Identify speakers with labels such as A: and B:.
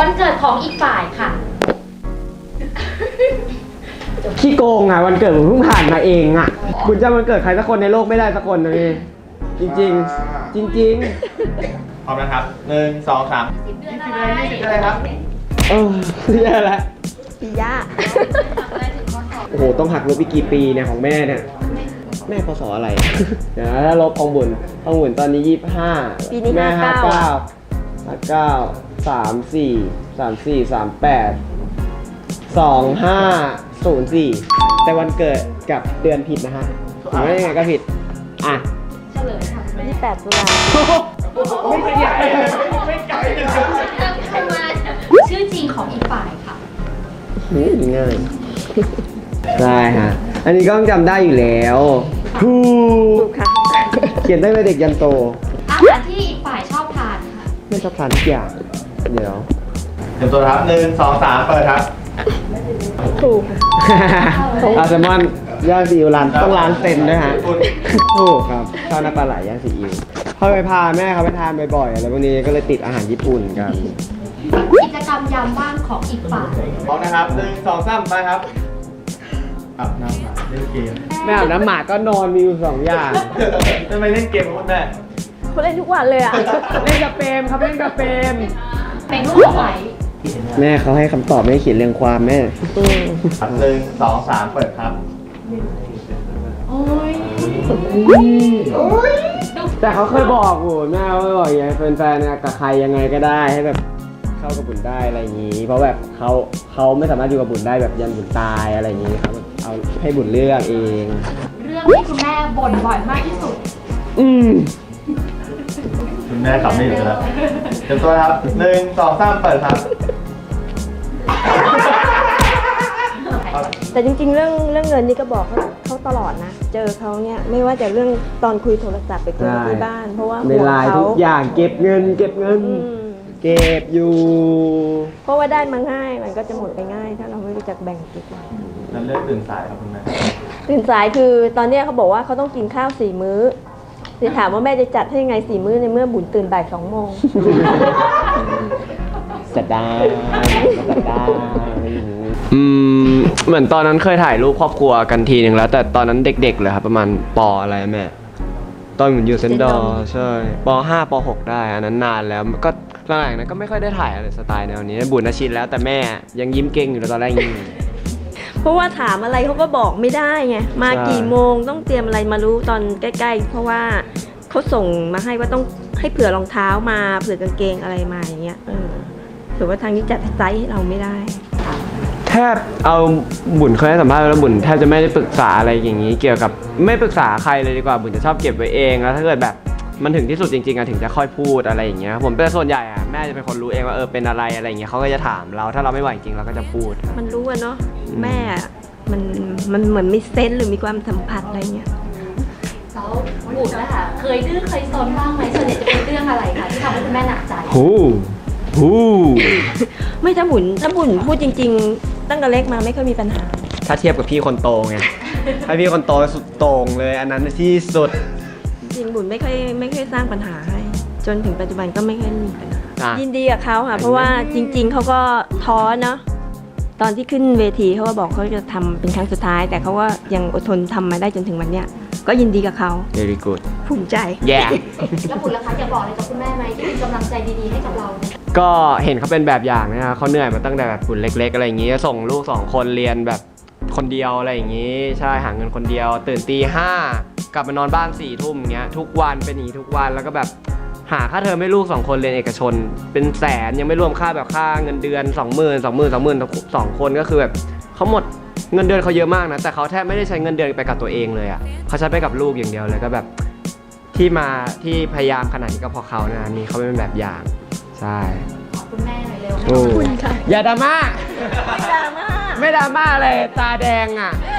A: วันเกิดของอีกฝ่ายค่ะ
B: ขี้โกงอ่ะวันเกิดผมเพิ่งผ่านมาเองอ่ะคุณจำวันเกิดใครสักคนในโลกไม่ได้สักคนนะพี่จริงๆ จริง
C: พร้อมนะครับ1 2 3
A: 10 เดือนอะไร
C: 20อะไรครับ
B: ๆแย่แล้ว
D: ปีย่า
B: โอ้โหต้องหักลบอีกกี่ปีเนี่ยของแม่เนี่ยแม่พศอะไร เดี๋ยวนะถ้าลบของบุญตอนนี้25
D: ปีนี้
B: แม่
D: 59
B: 59 34 2504แต่วันเกิดกับเดือนผิดนะฮะถือว่ายังไงก็ผิดอ่ะ
A: เฉลยค่ะคุณแม่
D: 28 ตุลา
C: ไม่ไกลไม่ไกล
A: ใครมาชื่อจริงของอีกฝ่ายค่ะ
B: ง่ายใช่ฮะอันนี้ก็ต้องจำได้อยู่แล้วถู
D: ถู
B: ก
D: กค่ะ
B: เขียนตั้งแต่เด็กยันโต
A: อาหารที่อีกฝ่ายชอบทานค่ะ
B: ไม่ชอบทานทุกอย่างเดี๋ยว
C: เตรียมตัวครับ1 2 3เปิดครับ
D: ถูกค่ะ
B: อาแซลมอนย่างซีอิ๊วร้านต้องร้านเซนด้วยฮะถูกครับชอบน้ำปลาไหลย่างซีอิ๊วเขาไปพาแม่เขาไปทานบ่อยๆอะไรพวกนี้ก็เลยติดอาหารญี่ปุ่นกัน
A: กิจกรรมยามว่างของอีกฝ่าย
C: พร้อมนะครับ1 2 3ไปครับอาบน้ำหมาเล่นเกม
B: แม่อาบน้ำหมาก็นอนมีอยู่2 อย่าง
C: ทำไมเล่นเกมกับคุณแม่
D: เขาเล่นทุกวันเลยอ่ะ
B: เล่นกับเปรมครับเล่นกับเปรม
A: เป็นรูปไหว
B: แม่เขาให้คำตอบไม่ให้เขียนเรียงความแม่
C: ครับ1 2 3เปิดครับ
A: โอ้ย
B: แต่เขาเคยบอกโหแม่เขาเคยบอกอย่างเงี้ยแฟนๆเนี่ยกับใครยังไงก็ได้ให้แบบเข้ากับบุญได้อะไรอย่างงี้ เพราะแบบเขาไม่สามารถอยู่กับบุญได้แบบยันบุญตายอะไรอย่างงี้ครับเอาให้บุญเลือกเอง
A: เรื่องที่คุณแม่บ่นบ่อยมากที่สุด
C: คุณแม่กลับไม่อยู่แล้วเตรียมตัวครับ1 2 3เปิดครับ
D: แต่จริงๆ เรื่องเงินนี่ก็บอกเขาตลอดนะ เจอเขาเนี่ยไม่ว่าจะเรื่องตอนคุยโทรศัพท์ไปคุยกันที่บ้าน เพราะว่า
B: ใน
D: ห่วง
B: ไลน์
D: เขา
B: ทุกอย่างเก็บเงิน เก็บอยู่
D: เพราะว่าได้มาง่ายมันก็จะหมดไปง่าย ถ้าเราไม่รู้จักแบ่งเก็บไว้
C: นั้นเลือกตื่นสายครับคุณแม่
D: ตื่นสายคือตอนเนี้ยเขาบอกว่าเขาต้องกินข้าว4 มื้อเดี๋ยวถามว่าแม่จะจัดให้ยังไง4 มื้อในเมื่อบุญตื่นบ่าย2 โมง
B: จะได้เหมือนตอนนั้นเคยถ่ายรูปครอบครัวกันทีหนึ่งแล้ว แต่ตอนนั้นเด็กๆเลยครับประมาณป.อะไรแม่ตอนเหมือนอยู่เซนดอร์ใช่ป.5 ป.6 ได้อันนั้นนานแล้วก็หลังๆนั้นก็ไม่ค่อยได้ถ่ายอะไรสไตล์แนวนี้บุญชินแล้วแต่แม่ยังยิ้มเก่งอยู่เลยตอนแรกยิ้ม
D: เพราะว่าถามอะไรเขาก็บอกไม่ได้ไงมา
B: ใช่
D: กี่โมงต้องเตรียมอะไรมารู้ตอนใกล้ๆ เพราะว่าเขาส่งมาให้ว่าต้องให้เผื่อรองเท้ามาเผื่อกางเกงอะไรมาอย่างเงี้ยหรือว่าทางนี้จัดไซส์ให้เราไม่ได้
B: แทบเอาบุญเคยให้สัมภาษณ์แล้วบุญแทบจะไม่ได้ปรึกษาอะไรอย่างนี้ เกี่ยวกับไม่ปรึกษาใครเลยดีกว่าบุญจะชอบเก็บไว้เองแล้วถ้าเกิดแบบมันถึงที่สุดจริงๆอะถึงจะค่อยพูดอะไรอย่างเงี้ยผมเป็นส่วนใหญ่อะแม่จะเป็นคนรู้เองว่าเป็นอะไรอย่างเงี้ยเขาก็จะถามเราถ้าเราไม่ไหวจริงเราก็จะพูด
D: มันรู้อะเนาะแม่อะมันเหมือนมีเซนส์หรือมีความสัมผัสอะไรเงี้ย
A: แล้วบุญนะคะเคยดื้อเคยซนบ้างไหมส่วนใหญ่จะเป็นเรื่องอะไรคะที่ทำให้คุณแม่หนักใจ
B: หู
D: ไม่ถ้าบุญพูดจริง ๆ ตั้งแต่เล็กมาไม่เคยมีปัญหา
B: ถ้าเทียบกับพี่คนโตไงถ้าพี่คนโตสุดโต่งเลยอันนั้นที่สุด
D: จริงบุญไม่เคยสร้างปัญหาให้ จนถึงปัจจุบันก็ไม่เคยมีปัญหา
B: อ่ะ
D: ยินดีกับเขาค่ะเพราะว่าจริง ๆเขาก็ท้อเนาะตอนที่ขึ้นเวทีเขาก็บอกเขาจะทำเป็นครั้งสุดท้าย แต่เขาก็ยังอดทนทำมาได้จนถึงวันเนี้ยก็ยินดีกับเขา
B: very good
D: ภูมิใจ
B: yeah
A: แล้วบุญล่ะคะอยากบอกอะไรกับคุณแม่ไหมที่มีกำลังใจดีๆให้กับเราเนี่ย
B: ก็เห็นเขาเป็นแบบอย่างนะเขาเหนื่อยมาตั้งแต่แบบบุญเล็กๆอะไรอย่างงี้ส่งลูก2 คนเรียนแบบคนเดียวอะไรอย่างงี้ใช่หาเงินคนเดียวตื่นตี 5กลับมานอนบ้าน4 ทุ่มเงี้ยทุกวันเป็นอย่างนี้ทุกวันแล้วก็แบบหาค่าเทอมให้ลูก2 คนเรียนเอกชนเป็นแสนยังไม่รวมค่าแบบค่าเงินเดือน 20,000 2 คนก็คือแบบเขาหมดเงินเดือนเขาเยอะมากนะแต่เขาแทบไม่ได้ใช้เงินเดือนไปกับตัวเองเลยอ่ะเขาใช้ไปกับลูกอย่างเดียวเลยก็แบบที่พยายามขนาดนี้ก็เพราะเขานะนี่เขาเป็นแบบอย่างใช่
A: ขอบคุณแม่หน่อยเร็ว
B: โอ้อย่าดราม่า
D: ไม่ดราม่า
B: ไม่ดราม่าเลยตาแดงอ่ะ